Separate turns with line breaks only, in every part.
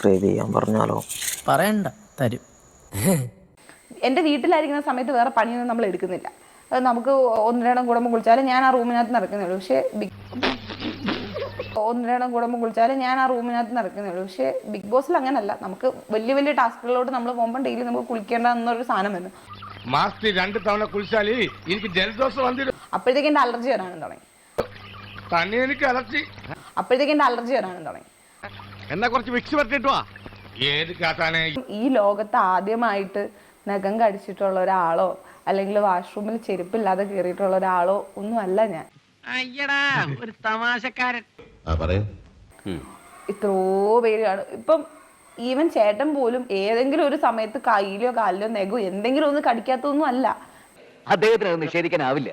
Subscribe ചെയ്യാൻ പറഞ്ഞാലോ?
പറയണ്ട, തരും.
എൻ്റെ വീട്ടിലായിരിക്കുന്ന സമയത്ത് വേറെ പണിയൊന്നും നമ്മൾ എടുക്കുന്നില്ല. അത് നമുക്ക് ഒന്നിരടം കുടുംബം കുളിച്ചാലും ഞാൻ ആ റൂമിനകത്ത് നടക്കുന്നുള്ളൂ. പക്ഷേ ഒന്നിരടം കുടുംബം കുളിച്ചാലും ഞാൻ ആ റൂമിനകത്ത് നടക്കുന്നുള്ളൂ. പക്ഷേ ബിഗ് ബോസിൽ അങ്ങനല്ല. നമുക്ക് വലിയ വലിയ ടാസ്കുകളിലോട്ട് നമ്മൾ പോകുമ്പോൾ ഡെയിലി നമുക്ക് കുളിക്കേണ്ട എന്നൊരു സാധനം വന്നു.
മാസത്തിൽ 2 തവണ കുളിച്ചാല് എനിക്ക് ജലദോഷം വന്നിരും.
അപ്പോഴത്തേക്ക് എൻ്റെ അലർജി വരാനും തുടങ്ങി.
തന്നെ എനിക്ക് അലർജി.
അപ്പോഴത്തേക്ക് എൻ്റെ അലർജി വരാനും തുടങ്ങി.
എന്നാ കുറച്ച് വിക്സ് പറ്റിട്ടുവാ. ഏത് കാട്ടാനെ? ഈ
ലോകത്ത് ആദ്യമായിട്ട് നഖം കടിച്ചിട്ടുള്ള ഒരാളോ അല്ലെങ്കിൽ വാഷ്റൂമിൽ ചെരുപ്പില്ലാതെ കയറിയിട്ടുള്ള ഒരാളോ ഒന്നും അല്ല ഞാൻ.
അയ്യടാ, ഒരു തമാശക്കാരൻ.
ഇത്രയോ പേര് കാണും. ഇപ്പം ഈവൻ ചേട്ടൻ പോലും ഏതെങ്കിലും ഒരു സമയത്ത് കയ്യിലോ കാലിലോ നെഗോ എന്തെങ്കിലും ഒന്ന് കടിക്കാത്തൊന്നും അല്ല.
അദ്ദേഹത്തിന് നിഷേധിക്കാനാവില്ല.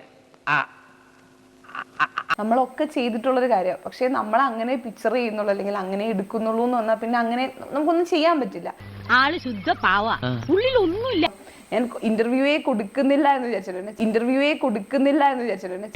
നമ്മളൊക്കെ ചെയ്തിട്ടുള്ളൊരു കാര്യമാണ്. പക്ഷെ നമ്മൾ അങ്ങനെ പിക്ചർ ചെയ്യുന്നുള്ളൂ അല്ലെങ്കിൽ അങ്ങനെ എടുക്കുന്നുള്ളൂ എന്ന് പറഞ്ഞാൽ പിന്നെ അങ്ങനെ നമുക്കൊന്നും ചെയ്യാൻ പറ്റില്ല.
ആള് ശുദ്ധ പാവ, ഉള്ളിലൊന്നുമില്ല.
ഞാൻ ഇന്റർവ്യൂവേ കൊടുക്കുന്നില്ല എന്ന് വിചാരിച്ചിട്ടുണ്ട്.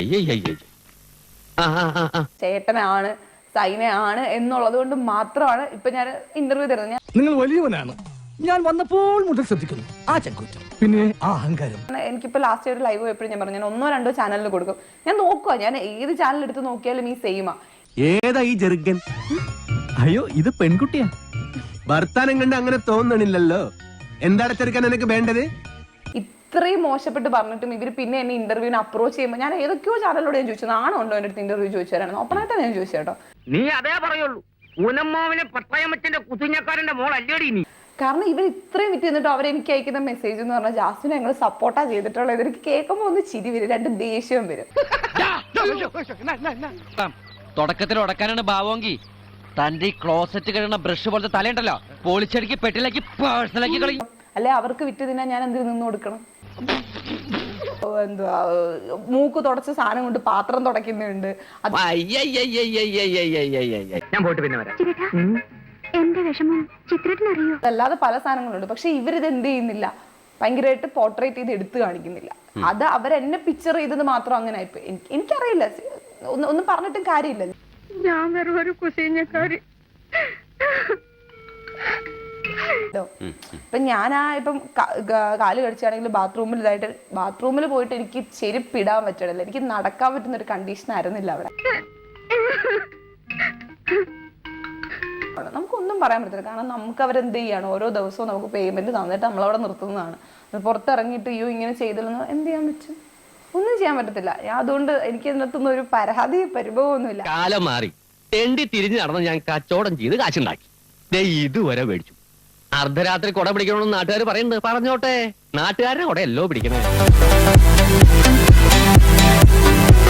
ചേട്ടനാണ് സൈനയാണ് എന്നുള്ളത് കൊണ്ട് മാത്രമാണ് ഇപ്പൊ ഞാൻ ഇന്റർവ്യൂ തരുന്നത്.
നിങ്ങൾ വലിയവനാണ്. ഞാൻ വന്നപ്പോൾ മുതൽ ശ്രദ്ധിക്കുന്നു ആ ചങ്കൂറ്റം, പിന്നെ ആ അഹങ്കാരം.
എനിക്കിപ്പോ ലാസ്റ്റ് ഒരു ലൈവ് പോയപ്പോഴും ഞാൻ പറഞ്ഞു, ഞാൻ 1-2 ചാനലിൽ കൊടുക്കും. ഞാൻ നോക്കുക, ഞാൻ ഏത് ചാനൽ എടുത്ത് നോക്കിയാലും ഈ സെയിമാ.
ഏതാ ഈ ജെറുഗൻ? അയ്യോ, ഇത് പെൺകുട്ടിയാ. വർത്താനം കണ്ട് അങ്ങനെ തോന്നണില്ലല്ലോ. എന്താണ് ചെറുക്കാൻ എനിക്ക് വേണ്ടത്?
ഇത്രയും മോശപ്പെട്ട് പറഞ്ഞിട്ടും ഇവർ പിന്നെ എന്നെ ഇന്റർവ്യൂവിന് അപ്രോച്ച് ചെയ്യുമ്പോൾ ഞാൻ ഏതൊക്കെയോ ചാനലിലൂടെ ഞാൻ ചോദിച്ചു, നാണോ ഉണ്ടോ എൻ്റെ അടുത്ത് ഇന്റർവ്യൂ ചോദിച്ചു തരാണ്. ഓപ്പണായിട്ടാണ് ഞാൻ ചോദിച്ചു കേട്ടോ.
നീ അതേ പറയുള്ളൂ. ഊനമ്മാവിനെ പട്ടായമ്മച്ചന്റെ കുത്തിഞ്ഞക്കാരന്റെ മോൾ അല്ലേടി നീ.
കാരണം ഇവർ ഇത്രയും വിറ്റ് നിന്നിട്ട് അവരെനിക്ക് അയക്കുന്ന മെസ്സേജ് എന്ന് പറഞ്ഞാൽ ജാസ്മിനെ ഞങ്ങൾ സപ്പോർട്ടാ ചെയ്തിട്ടുള്ളത്. എനിക്ക് കേൾക്കുമ്പോൾ ഒന്ന് ചിരി വരും, 2 ദേഷ്യവും വരും.
തുടക്കത്തിൽ ഉടക്കാനാണ് ഭാവമെങ്കിൽ തന്റെ ഈ ക്ലോസറ്റ് കഴിയുന്ന ബ്രഷ് പോലത്തെ തലയുണ്ടല്ലോ, പോളിച്ചടിക്ക് പെട്ടിലാക്കി പേഴ്സണലാക്കി കളയും.
അല്ലെ അവർക്ക് വിറ്റ് തിന്നാൻ ഞാൻ എന്തിനു നിന്ന് കൊടുക്കണം? എന്തുവാ, മൂക്ക് തുടച്ച സാധനം കൊണ്ട് പാത്രം തുടയ്ക്കുന്നുണ്ട്.
ഞാൻ പോയിട്ട് പിന്നെ വരാം.
എന്റെ വിഷമം ചിത്രത്തിനറിയോ?
അല്ലാതെ പല സാധനങ്ങളുണ്ട്. പക്ഷെ ഇവരിത് എന്ത് ചെയ്യുന്നില്ല, ഭയങ്കരമായിട്ട് പോർട്രേറ്റ് ചെയ്ത് എടുത്തു കാണിക്കുന്നില്ല. അത് അവരെന്നെ പിക്ചർ ചെയ്തത് മാത്രം അങ്ങനെ ആയിപ്പോ. എനിക്കറിയില്ല, ഒന്നും പറഞ്ഞിട്ടും കാര്യമില്ല.
ഞാൻ വെറും ഒരു കുസീഞ്ഞക്കാരി.
ഇപ്പൊ ഇപ്പം കാല് കടിച്ചാണെങ്കിൽ ബാത്റൂമിൽ പോയിട്ട് എനിക്ക് ചെരുപ്പിടാൻ പറ്റണില്ല. എനിക്ക് നടക്കാൻ പറ്റുന്ന ഒരു കണ്ടീഷൻ ആയിരുന്നില്ല അവിടെ. നമുക്കൊന്നും പറയാൻ പറ്റില്ല. കാരണം നമുക്ക് അവരെന്ത് ചെയ്യാണ്, ഓരോ ദിവസവും നമുക്ക് പേയ്മെന്റ് തന്നിട്ട് നമ്മളവിടെ നിർത്തുന്നതാണ്. പുറത്തിറങ്ങിയിട്ട് ഇങ്ങനെ ചെയ്തില്ലെന്ന് എന്ത് ചെയ്യാൻ പറ്റും? ഒന്നും ചെയ്യാൻ പറ്റത്തില്ല. അതുകൊണ്ട് എനിക്ക് ഇതിനകത്തൊന്നും ഒരു പരാതി പരിഭവമൊന്നുമില്ല.
കാലം മാറി തെണ്ടി തിരിഞ്ഞു നടന്ന് ഞാൻ കച്ചവടം ചെയ്ത് കാശുണ്ടാക്കി ഇതുവരെ മേടിച്ചു. അർദ്ധരാത്രി കൊട പിടിക്കണമെന്ന് നാട്ടുകാർ പറയുന്നത് പറഞ്ഞോട്ടെ. നാട്ടുകാരുടെ കൊടയല്ലോ പിടിക്കണേ.